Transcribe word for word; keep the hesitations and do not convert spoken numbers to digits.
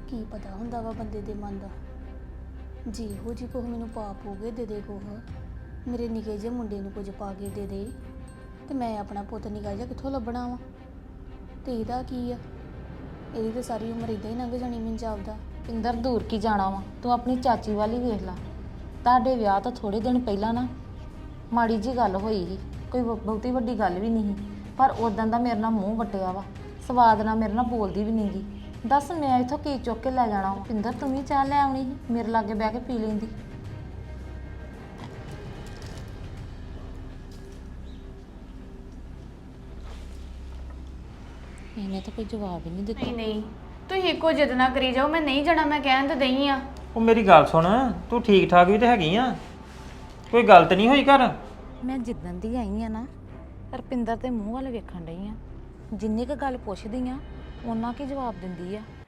ਕੀ ਪਤਾ ਹੁੰਦਾ ਵਾ ਬੰਦੇ ਦੇ ਮਨ ਦਾ। ਜੀ ਇਹੋ ਜੀ ਕੁਛ ਮੈਨੂੰ ਪਾ ਪੂਗੇ ਦੇ ਦੇ ਕੁਛ ਮੇਰੇ ਨਿੱਕੇ ਜਿਹੇ ਮੁੰਡੇ ਨੂੰ ਕੁਝ ਪਾ ਕੇ ਦੇ ਦੇ ਤੇ ਮੈਂ ਆਪਣਾ ਪੁੱਤ ਨਿੱਕਾ ਜਿਹਾ ਕਿੱਥੋਂ ਲੱਭਣਾ ਵਾ। ਤੇ ਇਹਦਾ ਕੀ ਆ, ਇਹਦੀ ਤਾਂ ਸਾਰੀ ਉਮਰ ਇਦਾਂ ਹੀ ਲੰਘ ਜਾਣੀ ਮੈਨੂੰ ਜਾਪਦਾ। ਪਿੰਦਰ ਦੂਰ ਕੀ ਜਾਣਾ ਵਾ, ਤੂੰ ਆਪਣੀ ਚਾਚੀ ਵੱਲ ਹੀ ਵੇਖ ਲਾ। ਤੁਹਾਡੇ ਵਿਆਹ ਤੋਂ ਥੋੜੇ ਦਿਨ ਪਹਿਲਾਂ ਨਾ ਮਾੜੀ ਜੀ ਗੱਲ ਹੋਈ ਸੀ, ਕੋਈ ਬਹੁ- ਬਹੁਤੀ ਵੱਡੀ ਗੱਲ ਵੀ ਨਹੀਂ ਸੀ, ਪਰ ਉਦੋਂ ਦਾ ਮੇਰੇ ਨਾਲ ਮੂੰਹ ਵੱਟਿਆ ਵਾ, ਸਵਾਦ ਨਾਲ ਮੇਰੇ ਨਾਲ ਬੋਲਦੀ ਵੀ ਨਹੀਂ ਗੀ। ਦੱਸ ਮੈਂ ਇੱਥੋਂ ਕੀ ਚੁੱਕ ਕੇ ਲੈ ਜਾਣਾ ਵਾ। ਪਿੰਦਰ ਤੂੰ ਵੀ ਚਾਹ ਲੈ ਆਉਣੀ ਸੀ, ਮੇਰੇ ਲਾਗੇ ਬਹਿ ਕੇ ਪੀ ਲੈਂਦੀ। ਇਹਨੇ ਤਾਂ ਕੋਈ ਜਵਾਬ ਹੀ ਨਹੀਂ ਦਿੱਤਾ। ਨਹੀਂ ਨਹੀਂ ਤੁਸੀਂ ਇੱਕੋ ਜਿੱਦ ਨਾ ਕਰੀ ਜਾਓ, ਮੈਂ ਨਹੀਂ ਜਾਣਾ, ਮੈਂ ਕਹਿਣ ਤੇ ਦਈ ਆ। ਉਹ ਮੇਰੀ ਗੱਲ ਸੁਣ, ਤੂੰ ਠੀਕ ਠਾਕ ਵੀ ਤੇ ਹੈਗੀ ਆ, ਕੋਈ ਗੱਲ ਤੇ ਨਹੀਂ ਹੋਈ ਘਰ? ਮੈਂ ਜਿੱਦਣ ਦੀ ਆਈ ਆ ਨਾ ਰਪਿੰਦਰ ਦੇ ਮੂੰਹ ਵੱਲ ਵੇਖਣ ਡਈ ਆ, ਜਿੰਨੀ ਕੁ ਗੱਲ ਪੁੱਛਦੀ ਆ ਉਹਨਾਂ ਕੀ ਜਵਾਬ ਦਿੰਦੀ ਆ।